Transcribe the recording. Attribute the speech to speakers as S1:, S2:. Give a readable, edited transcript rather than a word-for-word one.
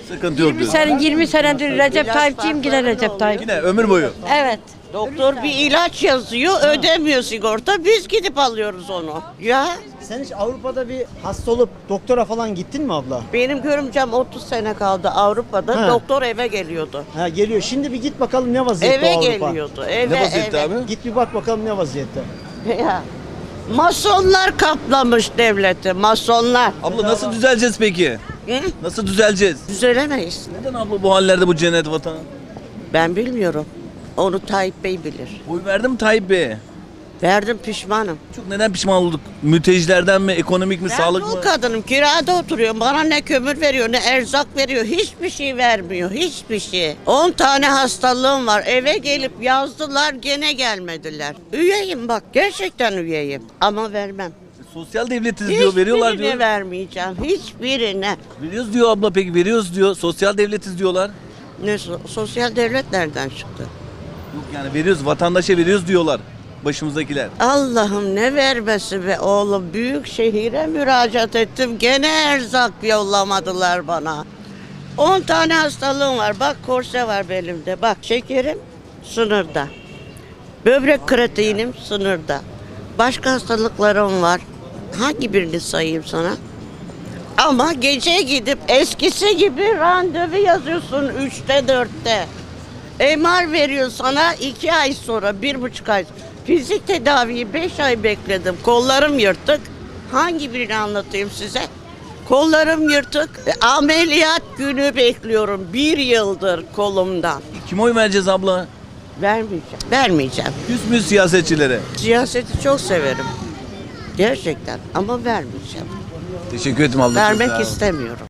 S1: Sıkıntı yok
S2: 20
S1: diyorsun.
S2: sene 20 senedir Recep Tayyipçiyim, yine Recep Tayyip.
S1: Yine ömür boyu.
S2: Evet.
S3: Doktor bir ilaç yazıyor, ödemiyor sigorta. Biz gidip alıyoruz onu. Ya
S4: Sen hiç Avrupa'da bir hasta olup doktora falan gittin mi abla?
S3: benim görümcem 30 sene kaldı Avrupa'da.
S4: Ha.
S3: Doktor eve geliyordu.
S4: Ha geliyor. Şimdi bir git bakalım ne vaziyette
S3: Eve
S4: Avrupa.
S3: geliyordu. Eve,
S1: Ne vaziyette
S3: eve.
S1: abi?
S4: Git bir bak bakalım ne vaziyette.
S3: Ya. Masonlar kaplamış devleti. Masonlar.
S1: Abla nasıl düzeleceğiz peki?
S3: Hı?
S1: Nasıl düzeleceğiz?
S3: Düzelemeyiz.
S1: Neden abla bu hallerde bu cennet vatanı?
S3: Ben bilmiyorum. Onu Tayyip Bey bilir.
S1: Oy verdim Tayyip Bey'e.
S3: Verdim, pişmanım.
S1: Çok neden pişman olduk? Mültecilerden mi, ekonomik mi,
S3: Ben
S1: sağlık
S3: dul
S1: mı?
S3: kadınım, kirada oturuyorum. Bana ne kömür veriyor, ne erzak veriyor. Hiçbir şey vermiyor, hiçbir şey. 10 tane hastalığım var. Eve gelip yazdılar, gene gelmediler. Üyeyim bak, gerçekten üyeyim. Ama vermem.
S1: Sosyal devletiz diyor, veriyorlar
S3: Hiçbirine
S1: diyor.
S3: vermeyeceğim, hiçbirine.
S1: Veriyoruz diyor abla, peki veriyoruz diyor. Sosyal devletiz diyorlar.
S3: Ne sosyal devlet nereden çıktı?
S1: Yok yani veriyoruz, vatandaşa veriyoruz diyorlar başımızdakiler.
S3: Allah'ım ne vermesi be oğlum. Büyük şehire müracaat ettim. Gene erzak yollamadılar bana. 10 tane hastalığım var. Bak korse var belimde. Bak şekerim sınırda. Böbrek kreatinim sınırda. Başka hastalıklarım var. Hangi birini sayayım sana? Ama gece gidip eskisi gibi randevu yazıyorsun 3'te 4'te. MR veriyor sana 2 ay sonra, 1,5 ay. Fizik tedaviyi 5 ay bekledim. Kollarım yırtık. Hangi birini anlatayım size? Kollarım yırtık. Ameliyat günü bekliyorum. 1 yıldır kolumdan.
S1: Kime oy vereceğiz abla?
S3: Vermeyeceğim. Vermeyeceğim.
S1: Küs müyüz siyasetçilere?
S3: Siyaseti çok severim. Gerçekten ama vermeyeceğim.
S1: Teşekkür ederim abla. çok sağ
S3: Vermek
S1: ol.
S3: istemiyorum.